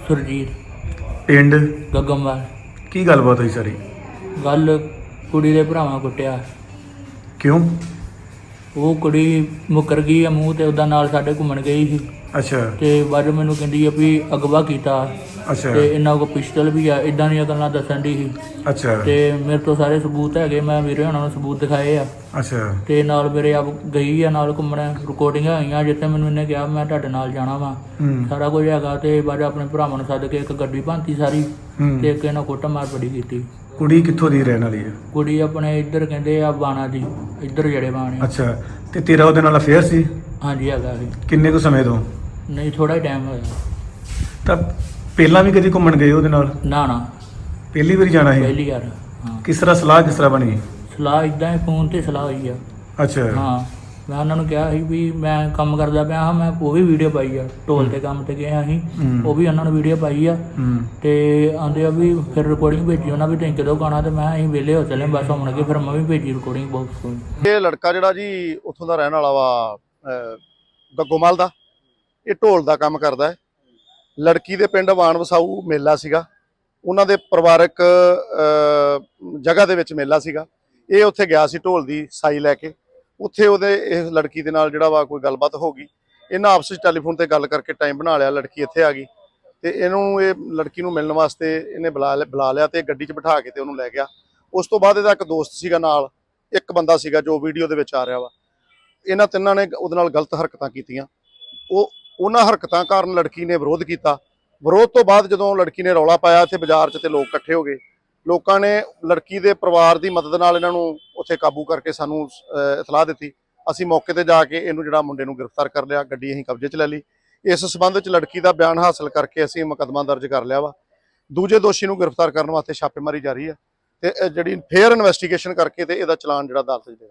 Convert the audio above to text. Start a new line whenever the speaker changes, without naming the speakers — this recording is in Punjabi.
ਸੁਰਜੀਤ
ਪਿੰਡ
ਗੱਗਮਵਾਲ।
ਕੀ ਗੱਲਬਾਤ ਹੋਈ ਸਾਰੀ?
ਗੱਲ ਕੁੜੀ ਦੇ ਭਰਾਵਾਂ ਕੁੱਟਿਆ।
ਕਿਉਂ?
ਉਹ ਕੁੜੀ ਮੁੱਕਰ ਗਈ ਆ ਮੂੰਹ ਤੇ ਉਹਦਾ ਨਾਲ ਸਾਡੇ ਘੁੰਮਣ ਗਈ ਸੀ
ਅੱਛਾ
ਤੇ ਬਾਅਦ ਮੈਨੂੰ ਕਹਿੰਦੀ ਆ ਵੀ ਅਗਵਾ ਕੀਤਾ
ਅੱਛਾ
ਤੇ ਇਹਨਾਂ ਕੋਲ ਪਿਸਟਲ ਵੀ ਆ। ਇਦਾਂ ਦੀਆਂ ਗੱਲਾਂ ਦੱਸਣ ਦੀ ਸੀ
ਅੱਛਾ
ਤੇ ਮੇਰੇ ਤੋਂ ਸਾਰੇ ਸਬੂਤ ਹੈਗੇ। ਮੈਂ ਵੀਰੇ ਉਹਨਾਂ ਨੂੰ ਸਬੂਤ ਦਿਖਾਏ ਆ
ਅੱਛਾ
ਤੇ ਨਾਲ ਮੇਰੇ ਆਪ ਗਈ ਆ ਨਾਲ ਘੁੰਮਣ। ਰਿਕਾਰਡਿੰਗਾਂ ਹੋਈਆਂ ਜਿੱਥੇ ਮੈਨੂੰ ਇਹਨੇ ਕਿਹਾ ਮੈਂ ਤੁਹਾਡੇ ਨਾਲ ਜਾਣਾ ਵਾ। ਸਾਰਾ ਕੁਝ ਹੈਗਾ ਤੇ ਬਾਅਦ ਆਪਣੇ ਭਰਾਵਾਂ ਨੂੰ ਸੱਦ ਕੇ ਇੱਕ ਗੱਡੀ ਭਾਂਤੀ ਸਾਰੀ ਤੇ ਇੱਕ ਇਹਨਾਂ ਕੁੱਟ ਮਾਰ ਬੜੀ ਕੀਤੀ।
ਕੁੜੀ ਕਿੱਥੋਂ ਦੀ ਰਹਿਣ ਵਾਲੀ ਹੈ?
ਕੁੜੀ ਆਪਣੇ ਇੱਧਰ ਕਹਿੰਦੇ ਆ ਬਾਣਾ ਦੀ, ਇੱਧਰ ਜਿਹੜੇ ਬਾਣੇ।
ਅੱਛਾ ਤੇ ਤੇਰਾ ਉਹਦੇ ਨਾਲ ਅਫੇਅਰ ਸੀ?
ਹਾਂਜੀ ਹੈਗਾ ਸੀ।
ਕਿੰਨੇ ਕੁ ਸਮੇਂ ਤੋਂ?
ਨਹੀਂ ਥੋੜਾ ਹੀ ਟਾਈਮ ਹੋਇਆ।
ਤਾਂ ਪਹਿਲਾਂ ਵੀ ਕਦੀ ਘੁੰਮਣ ਗਏ ਉਹਦੇ ਨਾਲ?
ਨਾ ਨਾ
ਪਹਿਲੀ ਵਾਰੀ ਜਾਣਾ ਸੀ?
ਪਹਿਲੀ ਵਾਰ। ਹਾਂ
ਕਿਸ ਤਰ੍ਹਾਂ ਬਣੀ?
ਸਲਾਹ ਇਦਾਂ ਹੀ ਫੋਨ ਤੇ ਸਲਾਹ ਹੋਈ ਆ।
ਅੱਛਾ
ਹਾਂ ਮੈਂ ਉਹਨਾਂ ਨੂੰ ਕਿਹਾ ਸੀ ਵੀ ਮੈਂ ਕੰਮ ਕਰਦਾ ਪਿਆ ਹਾਂ। ਮੈਂ ਉਹ ਵੀ ਵੀਡੀਓ ਪਾਈ ਆ, ਢੋਲ ਤੇ ਕੰਮ ਤੇ ਗਏ ਅਸੀਂ, ਉਹ ਵੀ ਉਹਨਾਂ ਨੂੰ ਵੀਡੀਓ ਪਾਈ ਆ। ਤੇ ਆਂਦੇ ਆ ਵੀ ਫਿਰ ਰਿਕਾਰਡਿੰਗ ਭੇਜੀ ਉਹਨਾਂ ਵੀ ਤੁਸੀਂ ਕਦੋਂ ਗਾਣਾ ਤੇ ਮੈਂ ਅਸੀਂ ਵਿਹਲੇ ਹੋ ਚੱਲੇ ਬਸ ਹੁਣ ਕੇ ਫਿਰ ਮੈਂ ਵੀ ਭੇਜੀ ਰਿਕਾਰਡਿੰਗ ਬਾਕਸ ਕੋਲ।
ਇਹ ਲੜਕਾ ਜਿਹੜਾ ਜੀ ਉੱਥੋਂ ਦਾ ਰਹਿਣ ਵਾਲਾ ਵਾ ਗੱਗੋਮਲ ਦਾ, ਇਹ ਢੋਲ ਦਾ ਕੰਮ ਕਰਦਾ ਹੈ। ਲੜਕੀ ਦੇ ਪਿੰਡ ਵਾਣ ਵਸਾਊ ਮੇਲਾ ਸੀਗਾ, ਉਹਨਾਂ ਦੇ ਪਰਿਵਾਰਕ ਜਗ੍ਹਾ ਦੇ ਵਿੱਚ ਮੇਲਾ ਸੀਗਾ। ਇਹ ਉੱਥੇ ਗਿਆ ਸੀ ਢੋਲ ਦੀ ਸਾਈ ਲੈ ਕੇ। ਉੱਥੇ ਉਹਦੇ ਇਸ ਲੜਕੀ ਦੇ ਨਾਲ ਜਿਹੜਾ ਵਾ ਕੋਈ ਗੱਲਬਾਤ ਹੋ ਗਈ। ਇਹਨਾਂ ਆਪਸ ਵਿੱਚ ਟੈਲੀਫੋਨ ਤੇ ਗੱਲ ਕਰਕੇ ਟਾਈਮ ਬਣਾ ਲਿਆ। ਲੜਕੀ ਇੱਥੇ ਆ ਗਈ ਤੇ ਇਹ ਲੜਕੀ ਨੂੰ ਮਿਲਣ ਵਾਸਤੇ ਇਹਨੇ ਬੁਲਾ ਲਿਆ ਤੇ ਗੱਡੀ 'ਚ ਬਿਠਾ ਕੇ ਤੇ ਉਹਨੂੰ ਲੈ ਗਿਆ। ਉਸ ਤੋਂ ਬਾਅਦ ਇਹਦਾ ਇੱਕ ਦੋਸਤ ਸੀਗਾ ਨਾਲ, ਇੱਕ ਬੰਦਾ ਸੀਗਾ ਜੋ ਵੀਡੀਓ ਦੇ ਵਿੱਚ ਆ ਰਿਹਾ ਵਾ। ਇਹਨਾਂ ਤਿੰਨਾਂ ਨੇ ਉਹਦੇ ਨਾਲ ਗਲਤ ਹਰਕਤਾਂ ਕੀਤੀਆਂ। ਉਹਨਾਂ ਹਰਕਤਾਂ ਕਾਰਨ ਲੜਕੀ ਨੇ ਵਿਰੋਧ ਕੀਤਾ। ਵਿਰੋਧ ਤੋਂ ਬਾਅਦ ਜਦੋਂ ਲੜਕੀ ਨੇ ਰੌਲਾ ਪਾਇਆ ਇੱਥੇ ਬਾਜ਼ਾਰ 'ਚ ਤੇ ਲੋਕ ਇਕੱਠੇ ਹੋ ਗਏ। ਲੋਕਾਂ ਨੇ ਲੜਕੀ ਦੇ ਪਰਿਵਾਰ ਦੀ ਮਦਦ ਨਾਲ ਇਹਨਾਂ ਨੂੰ ਉੱਥੇ ਕਾਬੂ ਕਰਕੇ ਸਾਨੂੰ ਇਤਲਾਹ ਦਿੱਤੀ। ਅਸੀਂ ਮੌਕੇ ਤੇ ਜਾ ਕੇ ਇਹਨੂੰ ਜਿਹੜਾ ਮੁੰਡੇ ਨੂੰ ਗ੍ਰਿਫਤਾਰ ਕਰ ਲਿਆ, ਗੱਡੀ ਅਸੀਂ ਕਬਜ਼ੇ 'ਚ ਲੈ ਲਈ। ਇਸ ਸਬੰਧ ਵਿੱਚ ਲੜਕੀ ਦਾ ਬਿਆਨ ਹਾਸਲ ਕਰਕੇ ਅਸੀਂ ਮੁਕੱਦਮਾ ਦਰਜ ਕਰ ਲਿਆ ਵਾ। ਦੂਜੇ ਦੋਸ਼ੀ ਨੂੰ ਗ੍ਰਿਫਤਾਰ ਕਰਨ ਵਾਸਤੇ ਛਾਪੇਮਾਰੀ ਜਾਰੀ ਹੈ ਤੇ ਜਿਹੜੀ ਫੇਅਰ ਇਨਵੈਸਟੀਗੇਸ਼ਨ ਕਰਕੇ ਤੇ ਇਹਦਾ ਚਲਾਨ ਜਿਹੜਾ ਅਦਾਲਤ 'ਚ